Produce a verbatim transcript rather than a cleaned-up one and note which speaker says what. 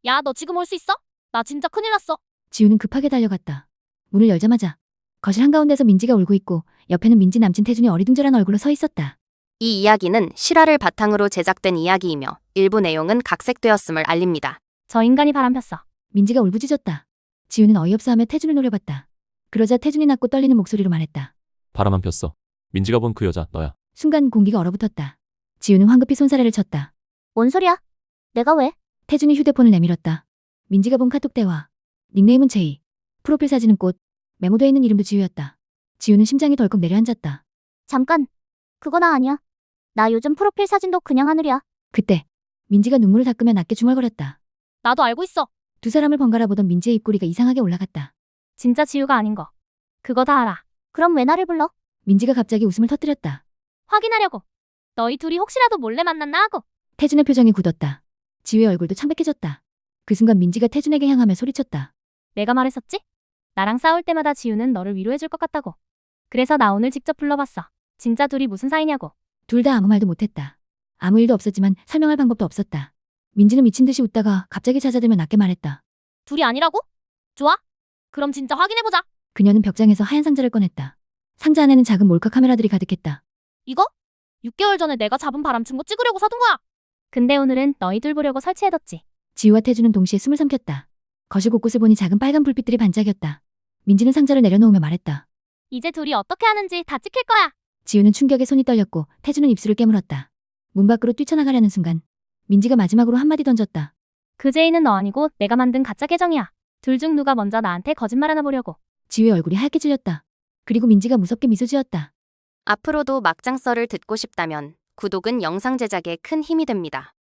Speaker 1: 야, 너 지금 올 수 있어? 나 진짜 큰일 났어.
Speaker 2: 지우는 급하게 달려갔다. 문을 열자마자 거실 한가운데서 민지가 울고 있고 옆에는 민지 남친 태준이 어리둥절한 얼굴로 서 있었다.
Speaker 3: 이 이야기는 실화를 바탕으로 제작된 이야기이며 일부 내용은 각색되었음을 알립니다.
Speaker 1: 저 인간이 바람폈어.
Speaker 2: 민지가 울부짖었다. 지우는 어이없어하며 태준을 노려봤다. 그러자 태준이 낮고 떨리는 목소리로 말했다.
Speaker 4: 바람만 폈어. 민지가 본 그 여자 너야.
Speaker 2: 순간 공기가 얼어붙었다. 지우는 황급히 손사래를 쳤다.
Speaker 1: 뭔 소리야? 내가 왜?
Speaker 2: 태준이 휴대폰을 내밀었다. 민지가 본 카톡 대화. 닉네임은 제이. 프로필 사진은 꽃. 메모되어 있는 이름도 지우였다. 지우는 심장이 덜컥 내려앉았다.
Speaker 1: 잠깐. 그거 나 아니야. 나 요즘 프로필 사진도 그냥 하늘이야.
Speaker 2: 그때 민지가 눈물을 닦으며 낮게 중얼거렸다.
Speaker 1: 나도 알고 있어.
Speaker 2: 두 사람을 번갈아 보던 민지의 입꼬리가 이상하게 올라갔다.
Speaker 1: 진짜 지우가 아닌 거. 그거 다 알아. 그럼 왜 나를 불러?
Speaker 2: 민지가 갑자기 웃음을 터뜨렸다.
Speaker 1: 확인하려고. 너희 둘이 혹시라도 몰래 만났나 하고.
Speaker 2: 태준의 표정이 굳었다. 지우의 얼굴도 창백해졌다. 그 순간 민지가 태준에게 향하며 소리쳤다.
Speaker 1: 내가 말했었지? 나랑 싸울 때마다 지우는 너를 위로해줄 것 같다고. 그래서 나 오늘 직접 불러봤어. 진짜 둘이 무슨 사이냐고.
Speaker 2: 둘 다 아무 말도 못했다. 아무 일도 없었지만 설명할 방법도 없었다. 민지는 미친 듯이 웃다가 갑자기 찾아들며 낮게 말했다.
Speaker 1: 둘이 아니라고? 좋아. 그럼 진짜 확인해보자.
Speaker 2: 그녀는 벽장에서 하얀 상자를 꺼냈다. 상자 안에는 작은 몰카 카메라들이 가득했다.
Speaker 1: 이거? 육 개월 전에 내가 잡은 바람친 거 찍으려고 사둔 거야. 근데 오늘은 너희들 보려고 설치해뒀지.
Speaker 2: 지우와 태준은 동시에 숨을 삼켰다. 거실 곳곳을 보니 작은 빨간 불빛들이 반짝였다. 민지는 상자를 내려놓으며 말했다.
Speaker 1: 이제 둘이 어떻게 하는지 다 찍힐 거야.
Speaker 2: 지우는 충격에 손이 떨렸고 태준은 입술을 깨물었다. 문 밖으로 뛰쳐나가려는 순간 민지가 마지막으로 한마디 던졌다.
Speaker 1: 그 제이는 너 아니고 내가 만든 가짜 계정이야. 둘 중 누가 먼저 나한테 거짓말 하나 보려고.
Speaker 2: 지우의 얼굴이 하얗게 질렸다. 그리고 민지가 무섭게 미소 지었다.
Speaker 3: 앞으로도 막장썰을 듣고 싶다면 구독은 영상 제작에 큰 힘이 됩니다.